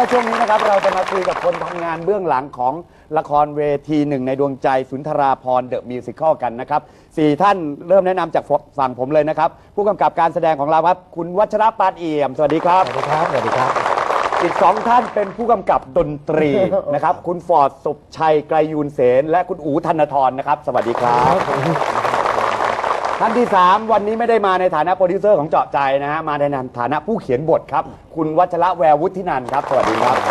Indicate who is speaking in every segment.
Speaker 1: ช่วงนี้นะครับเราจะมาคุยกับคนทำงานเบื้องหลังของละครเวทีหนึ่งในดวงใจสุนทราภรณ์เดอะมิวสิคลกันนะครับ4ท่านเริ่มแนะนำจากฝั่งผมเลยนะครับผู้กำกับการแสดงของเราครับคุณวัชรปานเอี่ยมสวัสดีครับ
Speaker 2: สวัสดีครับ สวัสดีครับ
Speaker 1: อีก2ท่านเป็นผู้กำกับดนตรีนะครับคุณฟอร์ดสุบชัยไกรยูนเสนและคุณอู๋ธนทรนะครับสวัสดีครับท่านที่3วันนี้ไม่ได้มาในฐานะโปรดิวเซอร์ของเจาะใจนะฮะมาในฐานะผู้เขียนบทครับคุณวัชระแวววุฒินันท์ครับสวัสดีครับ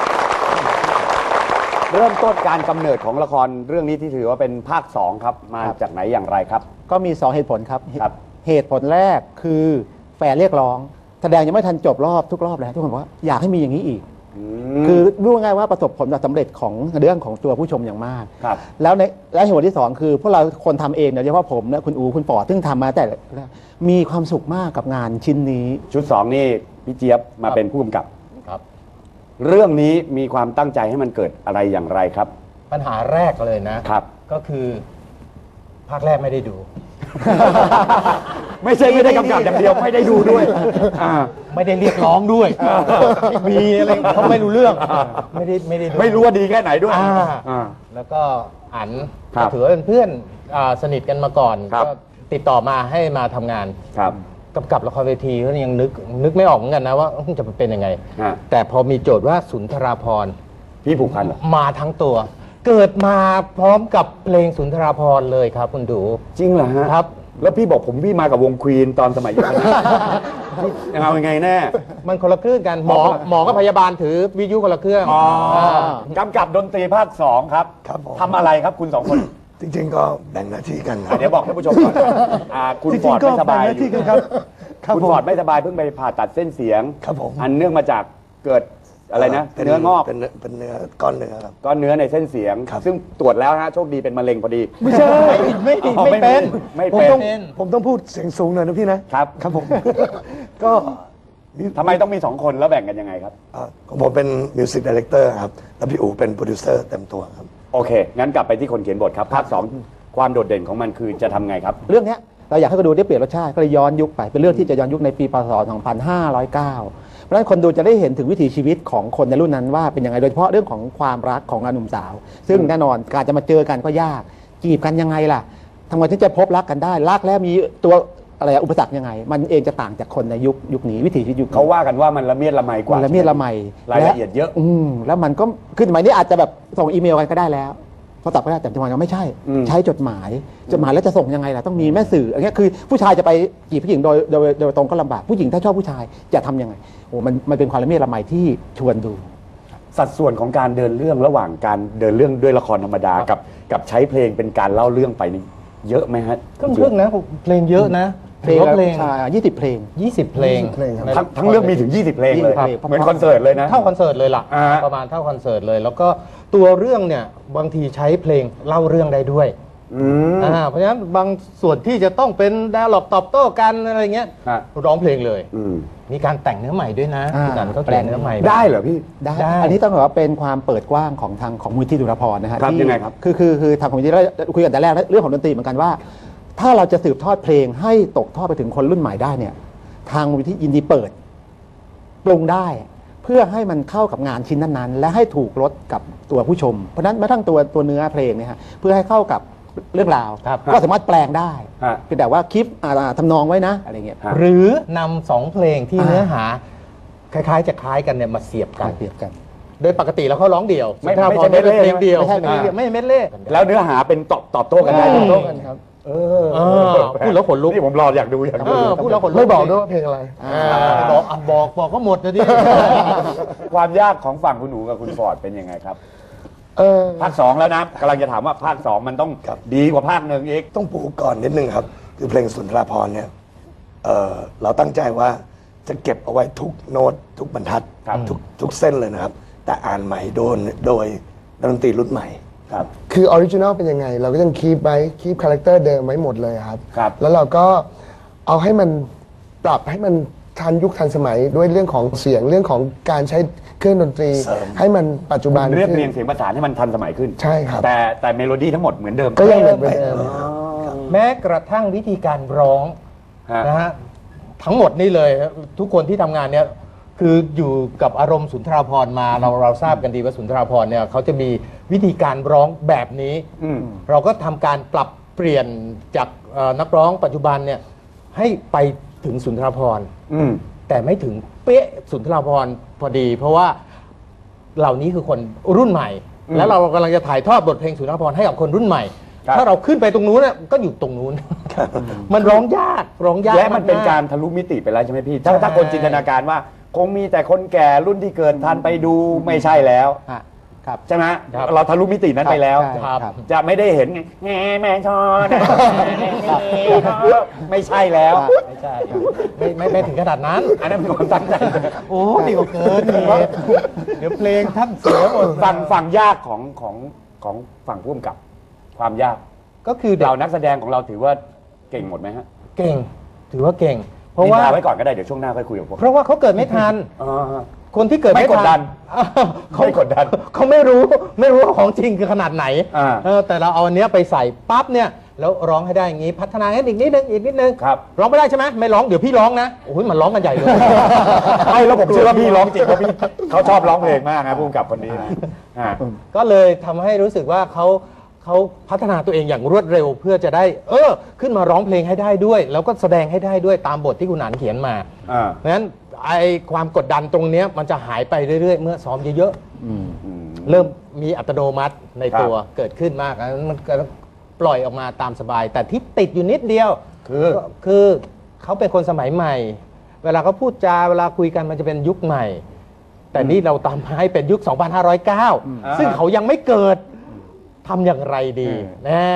Speaker 1: เริ่มต้นการกำเนิดของละครเรื่องนี้ที่ถือว่าเป็นภาค2ครับมาจากไหนอย่างไรครับ
Speaker 2: ก็มี2เหตุผลครับ
Speaker 1: ครับ
Speaker 2: เหตุผลแรกคือแฟนเรียกร้องแสดงยังไม่ทันจบทุกรอบเลยทุกคนบอกว่าอยากให้มีอย่างนี้อีกคือรู้ง่ายว่าประสบผลสำเร็จของเรื่องของตัวผู้ชมอย่างมากแล้วเหตุผลที่2คือพวกเราคนทำเองโดยเฉพาะผมนะคุณอูคุณปอซึ่งทำมาแต่มีความสุขมากกับงานชิ้นนี้
Speaker 1: ชุด2นี่พี่เจี๊ยบมาเป็นผู้กำกับครับเรื่องนี้มีความตั้งใจให้มันเกิดอะไรอย่างไรครับ
Speaker 3: ปัญหาแรกเลยนะครับก็คือภาคแรกไม่ได้ดู
Speaker 1: ไม่ใช่ไม่ได้กำกับอย่างเดียวไม่ได้ดูด้วย
Speaker 3: ไม่ได้เรียกร้องด้วยมีอะไรเขาไม่รู้เรื่องไม่
Speaker 1: รู้ว่าดีแค่ไหนด้วย
Speaker 3: แล้วก็อันถือว่าเป็นเพื่อนสนิทกันมาก่อนก็ติดต่อมาให้มาทำงานกำกับละครเวทีก็ยังนึกไม่ออกเหมือนกันนะว่าจะเป็นยังไงแต่พอมีโจทย์ว่าสุนทราภรณ์
Speaker 1: พี่ผูกพัน
Speaker 3: มาทั้งตัวเกิดมาพร้อมกับเพลงสุนทราภรณ์เลยครับคุณดู
Speaker 1: จริงเหรอฮะ
Speaker 3: ครับ
Speaker 1: แล้วพี่บอกพี่มากับวงควีนตอนสมัยอยู่เอายังไงแน่
Speaker 3: มันคนละเครื่องกันหมอกับพยาบาลถือวิทยุคนละเครื่อง
Speaker 1: กำกับดนตรีภาค2ครับทำอะไรครับคุณ2คน
Speaker 4: จริงๆก็แบ่งหน้าที่กัน
Speaker 1: เดี๋ยวบอกท่านผู้ชมก่อนคุณฟอร์ดไม่สบายคุณฟอร์ดไม่สบายเพิ่งไปผ่าตัดเส้นเสียงอันเนื่องมาจากเกิดอะไรนะเนื้องอก
Speaker 4: เป็นเนื้อก้อนเนื้อครับ
Speaker 1: ก้อนเนื้อในเส้นเสียงซึ่งตรวจแล้วฮะโชคดีเป็นมะเร็งพอดี
Speaker 4: ไม่ใช่
Speaker 3: ไม่เป็น
Speaker 4: ผมต้องพูดเสียงสูงหน่อยนะพี่นะครับครับผมก็
Speaker 1: ทำไมต้องมี2คนแล้วแบ่งกันยังไงครับ
Speaker 4: ของผมเป็นมิวสิกดีเรคเตอร์ครับแล้วพี่อู๋เป็นโปรดิวเซอร์เต็มตัวครับ
Speaker 1: โอเคงั้นกลับไปที่คนเขียนบทครับภาค2ความโดดเด่นของมันคือจะทำไงครับ
Speaker 2: เรื่องนี้เราอยากให้คนดูได้เปลี่ยนรสชาติก็เลยย้อนยุคไปเป็นเรื่องที่จะย้อนยุคในปีพ.ศ. 2509เพราะฉะนั้นคนดูจะได้เห็นถึงวิถีชีวิตของคนในรุ่นนั้นว่าเป็นยังไงโดยเฉพาะเรื่องของความรักของหนุ่มสาวซึ่งแน่นอนการจะมาเจอกันก็ยากจีบกันยังไงล่ะทำไมถึงจะพบรักกันได้รักแล้วมีตัวอะไรอุปสรรคยังไงมันเองจะต่างจากคนในยุคนี้วิถีชีวิตยุค
Speaker 1: เขาว่ากันว่ามันละเมียดละไมกว่า
Speaker 2: ละเมียดละไม
Speaker 1: รายละเอียดเยอะ
Speaker 2: แล้วมันก็คือสมัยนี้อาจจะแบบส่งอีเมลกันก็ได้แล้วพอตอบก็ได้แต่สมัยนั้นไม่ใช่ใช้จดหมายแล้วจะส่งยังไงล่ะต้องมีแม่สื่ออย่างเงี้ยคือผู้ชายจะไปจีบผู้หญิงโดยตรงก็ลำบากผู้หญิงถ้าชอบผู้ชายจะทำยังไงโอ้มันเป็นความละเมียดละไมที่ชวนดู
Speaker 1: สัดส่วนของการเดินเรื่องระหว่างการเดินเรื่องด้วยละครธรรมดากับใช้เพลงเป็นการเล่าเรื่องไปนี่เยอะไหมฮะ
Speaker 3: ครึ่งนะเพลงเยอะนะ
Speaker 2: เพลง20 เพลง
Speaker 3: 20 เพลง
Speaker 1: ทั้งเรื่องมีถึง20 เพลงเลยเหมือนคอนเสิร์ตเลยนะ
Speaker 3: เท่าคอนเสิร์ตเลยล่ะประมาณเท่าคอนเสิร์ตเลยแล้วก็ตัวเรื่องเนี่ยบางทีใช้เพลงเล่าเรื่องได้ด้วยเพราะฉะนั้นบางส่วนที่จะต้องเป็นดาล็อกตอบโต้กันอะไรเงี้ยร้องเพลงเลยมีการแต่งเนื้อใหม่ด้วยนะนั่นก็แปลงเนื้อใหม่
Speaker 1: ได้เหรอพี่
Speaker 2: ได้อันนี้ต้องบอกว่าเป็นความเปิดกว้างของทางของมูลที่สุนทรภรณ์นะฮะ
Speaker 1: ครับยังไงครับ
Speaker 2: คือทางของมูลที่เราคุยกันแต่แรกเรื่องของดนตรีเหมือนกันว่าถ้าเราจะสืบทอดเพลงให้ตกทอดไปถึงคนรุ่นใหม่ได้เนี่ยทางมูลที่ยินดีเปิดปรุงได้เพื่อให้มันเข้ากับงานชิ้นนั้นๆและให้ถูกรสกับตัวผู้ชมเพราะฉะนั้นแม้ทั้งตัวเนื้อเพลงเนี่ยฮะเพื่อให้เข้ากับเรื่องราวก็สามารถแปลงได้เพียงแต่ว่าคลิปทำนองไว้นะอะไรเงี้ย
Speaker 3: หรือนำ2เพลงที่เนื้อหาคล้ายๆจะคล้ายกันเนี่ยมาเสียบกันโดยปกติแล้วเขาร้องเดี่ยว
Speaker 1: ไม่ใช่เ
Speaker 3: พลงเดียว
Speaker 2: ไม่เม็ดเล่
Speaker 1: แล้วเนื้อหาเป็นตอบโต้กันได้
Speaker 2: ตอบโต้กันครับ
Speaker 3: พูดแล้วขนลุก
Speaker 1: นี่ผมรออยากดู
Speaker 3: พูดแล้วขนลุก
Speaker 4: ไม่บอกด้วยว่าเพลงอะไร
Speaker 3: บอกก็หมดนะดิ
Speaker 1: ความยากของฝั่งคุณหนูกับคุณฟอร์ดเป็นยังไงครับภาค2แล้วนะกำลังจะถามว่าภาค2มันต้องดีกว่าภาค1อีก
Speaker 4: ต้องปูก่อนนิดนึงครับคือเพลงสุนทราภรณ์เนี่ยเราตั้งใจว่าจะเก็บเอาไว้ทุกโน้ตทุกบรรทัดทุกเส้นเลยนะครับแต่อ่านใหม่โดยดนตรีรุ่นใหม่
Speaker 5: คือออริจินอลเป็นยังไงเราก็ยังคีปคาแรคเตอร์เดิมไว้หมดเลยครับแล้วเราก็เอาให้มันปรับให้มันทันยุคทันสมัยด้วยเรื่องของเสียงเรื่องของการใช้เครื่องดนตรีให้มันปัจจุบัน
Speaker 1: เรียบเรียงเสียงประสานให้มันทันสมัยขึ้น
Speaker 5: ใช่ครับ
Speaker 1: แต่เมโลดี้ทั้งหมดเหมือนเดิม
Speaker 5: ก็ยังเหมือนเดิม
Speaker 3: แม้กระทั่งวิธีการร้องนะฮะทั้งหมดนี่เลยทุกคนที่ทำงานเนี้ยคืออยู่กับอารมณ์สุนทราภรณ์มาเราทราบกันดีว่าสุนทราภรณ์เนี่ยเขาจะมีวิธีการร้องแบบนี้ เราก็ทำการปรับเปลี่ยนจากนักร้องปัจจุบันเนี่ยให้ไปถึงสุนทราภรณ์แต่ไม่ถึงเป๊ะสุนทราภรณ์พอดี เพราะว่าเหล่านี้คือคนรุ่นใหม่ แล้วเรากำลังจะถ่ายทอดบทเพลงสุนทราภรณ์ให้กับคนรุ่นใหม่ ถ้าเราขึ้นไปตรงนู้นน่ะก็อยู่ตรงนู้น มันร้องยาก
Speaker 1: และมันเป็นการทะลุมิติไปแล้วใช่ไหมพี่ถ้าคนจินตนาการว่าคงมีแต่คนแก่รุ่นที่เกิดทันไปดูไม่ใช่แล้วใช่ไหมเราทะลุมิตินั้นไปแล้วจะไม่ได้เห็นไงแม่ชอนไม่ใช่แล้ว
Speaker 3: ไม่ใช่ไม่ถึงขนาดนั้น
Speaker 1: อันนั้นเป็นความตั้งใจ
Speaker 3: โอ้ดีกว่าเกินเดี๋ยวเพลงท่านเสียหมด
Speaker 1: ฝั่งยากของฝั่งผู้กำกับความยาก
Speaker 3: ก็คือ
Speaker 1: เรานักแสดงของเราถือว่าเก่งหมดไหมฮะ
Speaker 3: เก่งถือว่าเก่งเพราะว่า
Speaker 1: ไว้ก่อนก็ได้เดี๋ยวช่วงหน้าค่อยคุยกับผม
Speaker 3: เพราะว่าเขาเกิดไม่ทันคนที่เกิด
Speaker 1: ไม่กดดัน
Speaker 3: เขากดดันเขาไม่รู้ว่าของจริงคือขนาดไหนแต่เราเอาอันเนี้ยไปใส่ปั๊บเนี่ยแล้วร้องให้ได้อย่างนี้พัฒนาอีกนิดนึงร้องไม่ได้ใช่ไหมไม่ร้องเดี๋ยวพี่ร้องนะโอ้ยมันร้องกันใหญ่เลย
Speaker 1: ไม่แล้วผมเชื่อว่าพี่ร้องจริงเพราะพี่เขาชอบร้องเพลงมากนะผู้กำกับคนนี้นะ
Speaker 3: ก็เลยทำให้รู้สึกว่าเขาพัฒนาตัวเองอย่างรวดเร็วเพื่อจะได้ขึ้นมาร้องเพลงให้ได้ด้วยแล้วก็แสดงให้ได้ด้วยตามบทที่คุณหนานเขียนมาเพราะฉะนั้นไอ้ความกดดันตรงนี้มันจะหายไปเรื่อยๆเมื่อซ้อมเยอะๆเริ่มมีอัตโนมัติในตัวเกิดขึ้นมากมันปล่อยออกมาตามสบายแต่ที่ติดอยู่นิดเดียวคือเขาเป็นคนสมัยใหม่เวลาเขาพูดจาเวลาคุยกันมันจะเป็นยุคใหม่แต่นี่เราตามให้เป็นยุค 2509 ซึ่งเขายังไม่เกิดทำอย่างไรดีแน่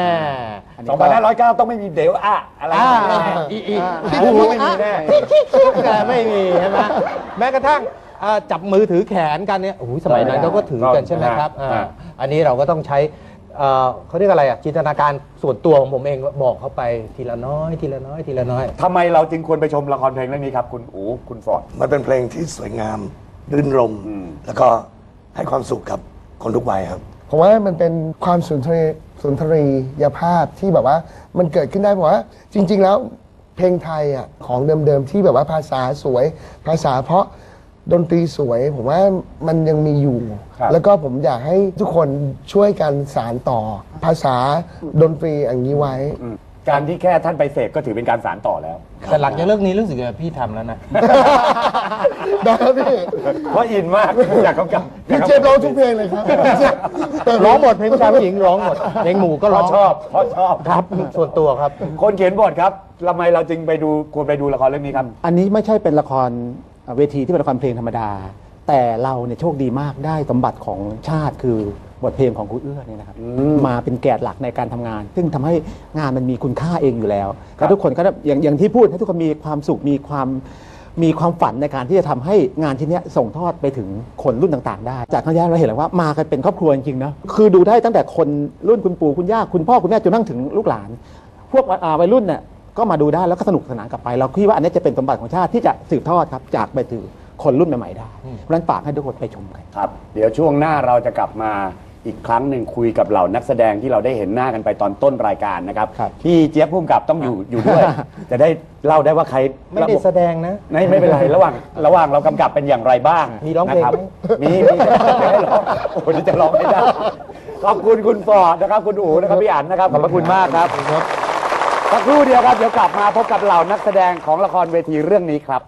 Speaker 1: 2509 ต้องไม่มีเดี๋ยวอะไร
Speaker 3: ไม่มีแน่ไม่มีใช่ไหมแม้กระทั่งจับมือถือแขนกันเนี่ยโอ้โหสมัยนั้นเขาก็ถือกันใช่ไหมครับอันนี้เราก็ต้องใช้เขาเรียกอะไรจินตนาการส่วนตัวของผมเองบอกเขาไปทีละน้อย
Speaker 1: ทำไมเราจึงควรไปชมละครเพลงเรื่องนี้ครับคุณอู๋คุณฟอร์ด
Speaker 4: มันเป็นเพลงที่สวยงามรื่นรมแล้วก็ให้ความสุขกับคนทุกวัยครับ
Speaker 5: ผมว่ามันเป็นความสุนทรียภาพที่แบบว่ามันเกิดขึ้นได้เพราะว่าจริงๆแล้วเพลงไทยของเดิมๆที่แบบว่าภาษาสวยภาษาเพราะดนตรีสวยผมว่ามันยังมีอยู่แล้วก็ผมอยากให้ทุกคนช่วยกันสานต่อภาษาดนตรีอย่างนี้ไว้
Speaker 1: การที่แค่ท่านไปเสพก็ถือเป็นการสานต่อแล้ว
Speaker 3: แต่หลังจากเรื่องนี้รู้สึกว่าพี่ทำแล้วนะ
Speaker 5: ได้พี่
Speaker 1: เพราะอินมากอยากกำกับ
Speaker 5: พี่เจมร้องทุกเพลงเลยครับ
Speaker 3: ร้องหมดเพลงผู้ชายผู้หญิงร้องหมดเพลงหมู่ก็ร้อง
Speaker 1: เพราะชอบ
Speaker 3: ครับส่วนตัวครับ
Speaker 1: คนเขียนบทครับทำไมเราจึงควรไปดูละครเรื่องนี้ครับ
Speaker 2: อันนี้ไม่ใช่เป็นละครเวทีที่เป็นละครเพลงธรรมดาแต่เราเนี่ยโชคดีมากได้สมบัติของชาติคือบทเพลงของครูเอื้อเนี่ยนะครับมาเป็นแกนหลักในการทำงานซึ่งทำให้งานมันมีคุณค่าเองอยู่แล้วแล้วทุกคนก็อย่างที่พูดให้ทุกคนมีความสุขมีความฝันในการที่จะทำให้งานชิ้นนี้ส่งทอดไปถึงคนรุ่นต่างๆได้จากครั้งแรกเราเห็นแล้วว่ามากันเป็นครอบครัวจริงๆนะคือดูได้ตั้งแต่คนรุ่นคุณปู่คุณย่าคุณพ่อคุณแม่จนนั่งถึงลูกหลานพวกวัยรุ่นเนี่ยก็มาดูได้แล้วก็สนุกสนานกลับไปเราคิดว่าอันนี้จะเป็นสมบัติของชาติที่จะสืบทอดครับจากไปถึงคนรุ่นใหม่ๆได้เพราะฉะนั้นฝากให้ทุกคนไปชมกัน
Speaker 1: ครับเดี๋ยวช่วงหน้าเราจะกลับมาอีกครั้งหนึ่งคุยกับเหล่านักแสดงที่เราได้เห็นหน้ากันไปตอนต้นรายการนะครับพี่เจี๊ยบพุ่มกับต้องอยู่ด้วยจะได้เล่าได้ว่าใคร
Speaker 3: ไม่ได้แสดงนะ
Speaker 1: ไม่เป็นไรระหว่างเรากำกับเป็นอย่างไรบ้าง
Speaker 3: มีร้องเพลง
Speaker 1: มีให้ร้องโอ้ยจะร้องไม่ได้ขอบคุณคุณฟอร์ดนะครับคุณอู๋นะครับพี่อั๋นนะครับขอบพระคุณมากครับสักครู่เดียวครับเดี๋ยวกลับมาพบกับเหล่านักแสดงของละครเวทีเรื่องนี้ครับ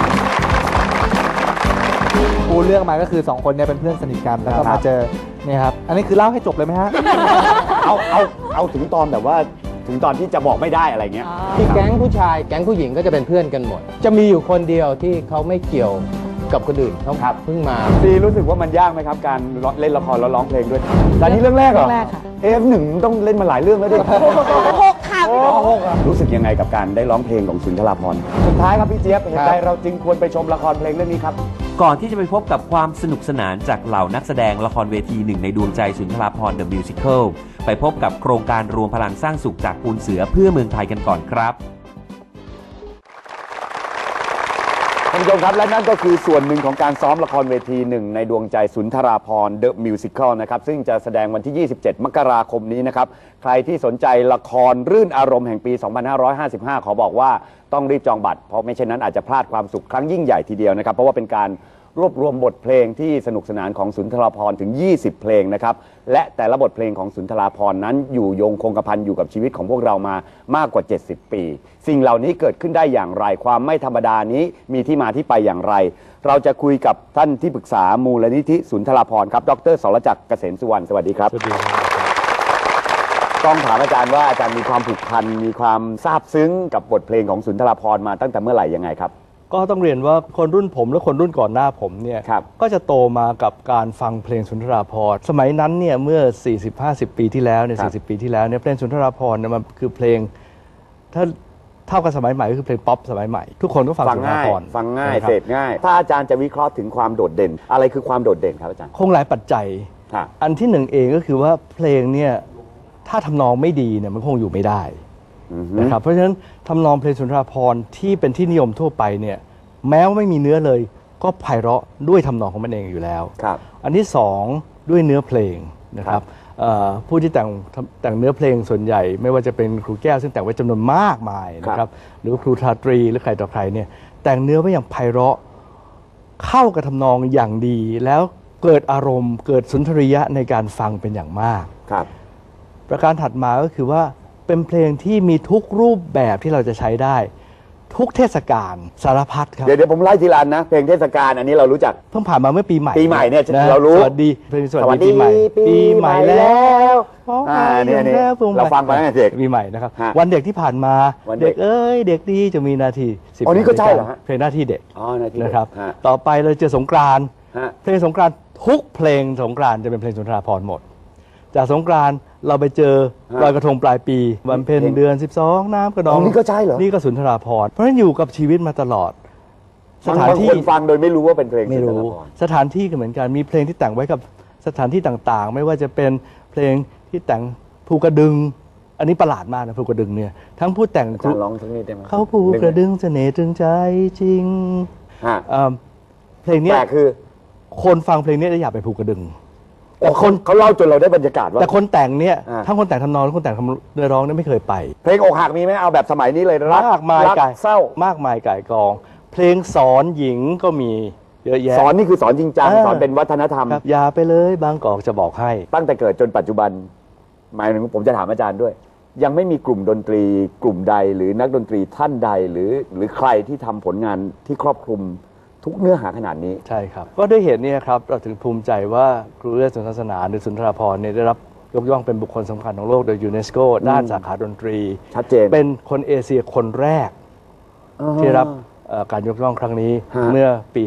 Speaker 6: ปูเรื่องมาก็คือ2คนเนี่ยเป็นเพื่อนสนิทกันแล้วก็มาเจอเนี่ยครับอันนี้คือเล่าให้จบเลยไหมฮะ
Speaker 1: เอาถึงตอนแบบว่าถึงตอนที่จะบอกไม่ได้อะไรเงี้ย
Speaker 3: ที่แก๊งผู้ชายแก๊งผู้หญิงก็จะเป็นเพื่อนกันหมดจะมีอยู่คนเดียวที่เขาไม่เกี่ยวกับคนอื่นเขาเพิ่งมา
Speaker 1: ซีรู้สึกว่ามันยากไหมครับการเล่นละครแล้วร้องเพลงด้วยแต่นี่เรื่องแรกเหรอหนึ่งต้องเล่นมาหลายเรื่องแล้วด้วย
Speaker 7: 6 ค่ะ
Speaker 1: รู้สึกยังไงกับการได้ร้องเพลงของสุนทราภรณ์สุดท้ายครับพี่เจี๊ยบเหตุใดเราจึงควรไปชมละครเพลงเรื่องนี้ครับ
Speaker 8: ก่อนที่จะไปพบกับความสนุกสนานจากเหล่านักแสดงละครเวทีหนึ่งในดวงใจสุนทราภรณ์ The Musical ไปพบกับโครงการรวมพลังสร้างสุขจากปูนเสือเพื่อเมืองไทยกันก่อนครับ
Speaker 1: ท่านผู้ชมครับและนั่นก็คือส่วนหนึ่งของการซ้อมละครเวทีหนึ่งในดวงใจสุนทราภรณ์ The Musical นะครับซึ่งจะแสดงวันที่ 27 มกราคมนี้นะครับใครที่สนใจละครรื่นอารมณ์แห่งปี 2555 ขอบอกว่าต้องรีบจองบัตรเพราะไม่เช่นนั้นอาจจะพลาดความสุขครั้งยิ่งใหญ่ทีเดียวนะครับเพราะว่าเป็นการรวบรวมบทเพลงที่สนุกสนานของสุนทราภรณ์ถึง 20 เพลงนะครับและแต่ละบทเพลงของสุนทราภรณ์นั้นอยู่ยงคงกระพันอยู่กับชีวิตของพวกเรามามากกว่า 70 ปี สิ่งเหล่านี้เกิดขึ้นได้อย่างไรความไม่ธรรมดานี้มีที่มาที่ไปอย่างไร เราจะคุยกับท่านที่ปรึกษามูลนิธิสุนทราภรณ์ครับดร.สรจักรเกษมสุวรรณสวัสดีครับต้องถามอาจารย์ว่าอาจารย์มีความผูกพันมีความซาบซึ้งกับบทเพลงของสุนทราภรณ์มาตั้งแต่เมื่อไหร่ยังไงครับ
Speaker 7: ก็ต้องเรียนว่าคนรุ่นผมและคนรุ่นก่อนหน้าผมเนี่ยก็จะโตมากับการฟังเพลงสุนทราภรณ์สมัยนั้นเนี่ยเมื่อ 40-50 ปีที่แล้วเนี่ย40 ปีที่แล้วเนี่ยเพลงสุนทราภรณ์เนี่ยมันคือเพลงถ้าเท่ากับสมัยใหม่ก็คือเพลงป๊อปสมัยใหม่ทุกคนก็ฟังสุนทราภรณ์
Speaker 1: ฟังง่ายเสพง่ายถ้าอาจารย์จะวิเคราะห์ถึงความโดดเด่นอะไรคือความโดดเด่นครับอาจารย์
Speaker 7: คงหลายปัจจัยอันที่หนึ่งเองก็คือว่าเพลงเนี่ยถ้าทำนองไม่ดีเนี่ยมันคงอยู่ไม่ได้นะครับเพราะฉะนั้นทำนองเพลงสุนทราภรณ์ที่เป็นที่นิยมทั่วไปเนี่ยแม้ว่าไม่มีเนื้อเลยก็ไพเราะด้วยทำนองของมันเองอยู่แล้วอันที่สองด้วยเนื้อเพลงนะครับผู้ที่แต่งเนื้อเพลงส่วนใหญ่ไม่ว่าจะเป็นครูแก้วซึ่งแต่งไว้จำนวนมากมายนะครับหรือครูทาตรีหรือใครต่อใครเนี่ยแต่งเนื้อไว้อย่างไพเราะเข้ากับทำนองอย่างดีแล้วเกิดอารมณ์เกิดสุนทรียะในการฟังเป็นอย่างมากประการถัดมาก็คือว่าเป็นเพลงที่มีทุกรูปแบบที่เราจะใช้ได้ทุกเทศกาลสารพัดครับ
Speaker 1: เดี๋ยวผมไล่ทีละนะเพลงเทศกาลอันนี้เรารู้จัก
Speaker 7: เพิ่งผ่านมาเมื่อปีใหม่
Speaker 1: เนี่ยเรารู้
Speaker 7: สวัสดีเพลงสวัสดีปีใหม่แล้ว
Speaker 1: เนี่ยเราฟังไปตั้งแต่เด็ก
Speaker 7: ปีใหม่นะครับวันเด็กที่ผ่านมาเด็กเด็กดีจะมีนาที
Speaker 1: 10อ๋อนี่ก็ใช่เหรอฮะ
Speaker 7: เพลงหน้าที่เด็กนะครับต่อไปเราเจอสงกรานต์เพลงสงกรานต์ทุกเพลงสงกรานต์จะเป็นเพลงสุนทราภรณ์หมดจากสงกรานต์เราไปเจอลอยกระทงปลายปีวันเพ็ญเดือน12น้ำกระนอง
Speaker 1: นี่ก็ใช่เหรอ
Speaker 7: นี่ก็สุนทราภรณ์เพราะฉะนั้นอยู่กับชีวิตมาตลอด
Speaker 1: สถานที่ฟังโดยไม่รู้ว่าเป็นเพลง
Speaker 7: ไม่รู้สถานที่ก็เหมือนกันมีเพลงที่แต่งไว้กับสถานที่ต่างๆไม่ว่าจะเป็นเพลงที่แต่งภูกระดึงอันนี้ประหลาดมากนะภูกระดึงเนี่ยทั้งผู้แต่ง
Speaker 1: ร้องทั้งนี้ได้ไหม
Speaker 7: เขาภูกระดึงเสน่ห์ตรึงใจจริงเพลงนี้
Speaker 1: คือ
Speaker 7: คนฟังเพลงนี้จะอยากไปภูกระดึง
Speaker 1: แต่คนเขาเล่าจนเราได้บรรยากาศว่า
Speaker 7: แต่คนแต่งเนี่ยทั้งคนแต่งทำนองและคนแต่งเนื้อร้องเนี่ยไม่เคยไป
Speaker 1: เพลงอกหักมีไหมเอาแบบสมัยนี้เลย
Speaker 7: มากมายก่ายเศร้ามากมายก่ายกองเพลงสอนหญิงก็มีเยอะแยะ
Speaker 1: สอนนี่คือสอนจริงจังสอนเป็นวัฒนธรรม
Speaker 7: อย่าไปเลยบางกอกจะบอกให้
Speaker 1: ตั้งแต่เกิดจนปัจจุบันหมายถึงผมจะถามอาจารย์ด้วยยังไม่มีกลุ่มดนตรีกลุ่มใดหรือนักดนตรีท่านใดหรือใครที่ทำผลงานที่ครอบคลุมทุกเนื้อหาขนาดนี้
Speaker 7: ใช่ครับก็ด้วยเหตุนี้ครับเราถึงภูมิใจว่าครูเอื้อสุนทรศาสนาหรือสุนทราภรณ์เนี่ยได้รับยกย่องเป็นบุคคลสำคัญของโลกโดยยูเนสโกด้านสาขาดนตรี
Speaker 1: ชัดเจน
Speaker 7: เป็นคนเอเชียคนแรกที่รับการยกย่องครั้งนี้เมื่อปี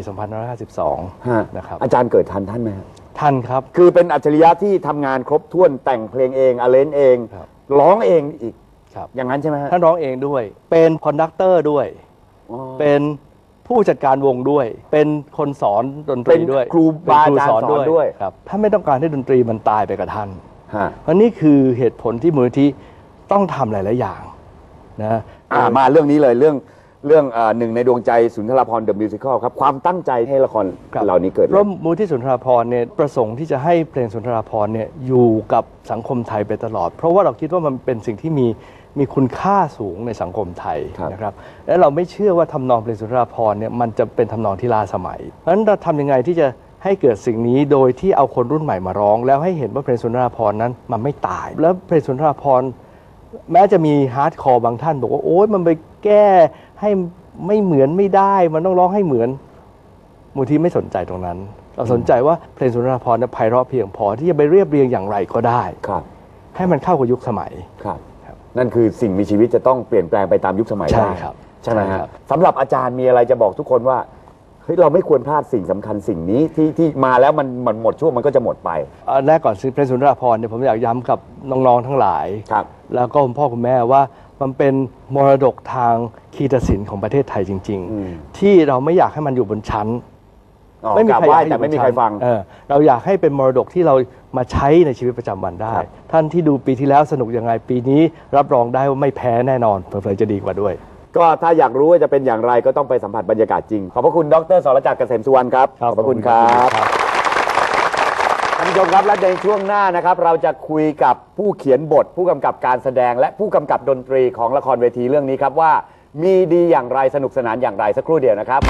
Speaker 7: 2552นะครับ
Speaker 1: อาจารย์เกิดทันท่านไหม
Speaker 7: ทันครับ
Speaker 1: คือเป็นอัจฉริยะที่ทำงานครบถ้วนแต่งเพลงเองอาเลนเองร้องเองอีกอย่างนั้นใช่ไหม
Speaker 7: ท่านร้องเองด้วยเป็นคอนดักเตอร์ด้วยเป็นผู้จัดการวงด้วยเป็นคนสอนดนตรีด้วย
Speaker 1: ครูบาอาจารย์สอนด้วย
Speaker 7: ครับถ้าไม่ต้องการให้ดนตรีมันตายไปกับท่านเพราะนี่คือเหตุผลที่มูลนิธิต้องทำหลายๆอย่างนะ
Speaker 1: มาเรื่องนี้เลยเรื่องหนึ่งในดวงใจสุนทราภรณ์ The Musical ครับความตั้งใจให้ละครเหล่านี้เกิด
Speaker 7: ร่วมมูลที่สุนทราภรณ์เนี่ยประสงค์ที่จะให้เพลงสุนทราภรณ์เนี่ยอยู่กับสังคมไทยไปตลอดเพราะว่าเราคิดว่ามันเป็นสิ่งที่มีคุณค่าสูงในสังคมไทยนะครับและเราไม่เชื่อว่าทำนองเพลงสุนทราภรณ์เนี่ยมันจะเป็นทำนองที่ล้าสมัยเพราะฉะนั้นเราทำยังไงที่จะให้เกิดสิ่งนี้โดยที่เอาคนรุ่นใหม่มาร้องแล้วให้เห็นว่าเพลงสุนทราภรณ์นั้นมันไม่ตายแล้วเพลงสุนทราภรณ์แม้จะมีฮาร์ดคอร์บางท่านบอกว่าโอ๊ยมันไปแก้ให้ไม่เหมือนไม่ได้มันต้องร้องให้เหมือนมูลที่ไม่สนใจตรงนั้นเราสนใจว่าเพลงสุนทราภรณ์ไพเราะเพียงพอที่จะไปเรียบเรียงอย่างไรก็ได้ให้มันเข้ากับยุคสมัย
Speaker 1: นั่นคือสิ่งมีชีวิตจะต้องเปลี่ยนแปลงไปตามยุคสมัยได้ใช่ไหมครับสำหรับอาจารย์มีอะไรจะบอกทุกคนว่าเฮ้ยเราไม่ควรพลาดสิ่งสำคัญสิ่งนี้ที่มาแล้วมันหมดช่วงมันก็จะหมดไป
Speaker 7: แรกก่อนเพลงสุนทราภรณ์เนี่ยผมอยากย้ำกับน้องๆทั้งหลายแล้วก็คุณพ่อคุณแม่ว่ามันเป็นมรดกทางคีตศิลป์ของประเทศไทยจริงๆที่เราไม่อยากให้มันอยู่บนชั้น
Speaker 1: ไม่มีใครแต่ไม่มีใครฟัง
Speaker 7: เราอยากให้เป็นมรดกที่เรามาใช้ในชีวิตประจำวันได้ท่านที่ดูปีที่แล้วสนุกยังไงปีนี้รับรองได้ว่าไม่แพ้แน่นอนเผลอๆจะดีกว่าด้วย
Speaker 1: ก็ถ้าอยากรู้ว่าจะเป็นอย่างไรก็ต้องไปสัมผัสบรรยากาศจริง ขอบพระคุณดร.สรจักรเกษมสุวรรณครับขอบพระคุณครับท่านผู้ชมครับและในช่วงหน้านะครับ เราจะคุยกับผู้เขียนบท ผู้กำกับการแสดงและผู้กำกับดนตรีของละครเวทีเรื่องนี้ครับว่ามีดีอย่างไรสนุกสนานอย่างไรสักครู่เดียวนะครับ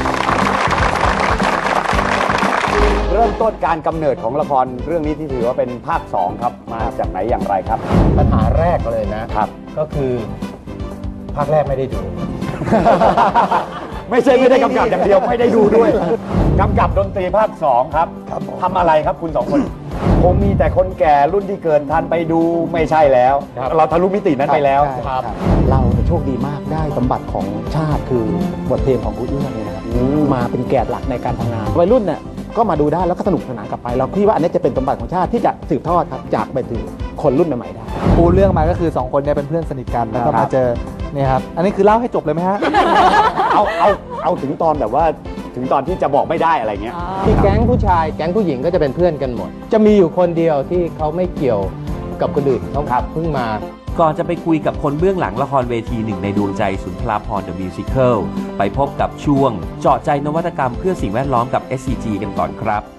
Speaker 1: เริ่มต้นการกำเนิดของละครเรื่องนี้ที่ถือว่าเป็นภาค 2 ครับมาจากไหนอย่างไรครับ
Speaker 3: ปัญหาแรกเลยนะครับ ก็คือภาคแรกไม่ได้ดู
Speaker 1: ไม่ใช่ไม่ได้กำกับอย่างเดียวไม่ได้ดูด้วยกำกับดนตรีภาค 2 ครับ
Speaker 4: ครับผม
Speaker 1: ทำอะไรครับคุณ 2 คนคงมีแต่คนแก่รุ่นที่เกินทันไปดูไม่ใช่แล้ว เราทะลุมิตินั้นไปแล้ว
Speaker 2: ใช่ครับเราเนี่ยโชคดีมากได้สมบัติของชาติคือบทเพลงของคุณเอื้อเนี่ยนะครับมาเป็นแกนหลักในการทำงานวัยรุ่นเนี่ยก็มาดูได้แล้วก็สนุกสนานกลับไป เราคิดว่าอันนี้จะเป็นสมบัติของชาติที่จะสืบทอดครับจากไปถึงคนรุ่นใหม่ๆได้
Speaker 6: ปูเรื่องมาก็คือ2คนเนี่ยเป็นเพื่อนสนิทกันแล้วก็มาเจอเนี่ยครับอันนี้คือเล่าให้จบเลยไหมฮะ
Speaker 1: เอาถึงตอนแบบว่าถึงตอนที่จะบอกไม่ได้อะไรเงี้ย
Speaker 3: ที่แก๊งผู้ชายแก๊งผู้หญิงก็จะเป็นเพื่อนกันหมด จะมีอยู่คนเดียวที่เขาไม่เกี่ยวกับคนอื่นเขาเพิ่งมา
Speaker 8: ก่อนจะไปคุยกับคนเบื้องหลังละครเวทีหนึ่งในดวงใจสุนทราภรณ์ The Musical ไปพบกับช่วงเจาะใจนวัตกรรมเพื่อสิ่งแวดล้อมกับ SCG กันก่อนครับ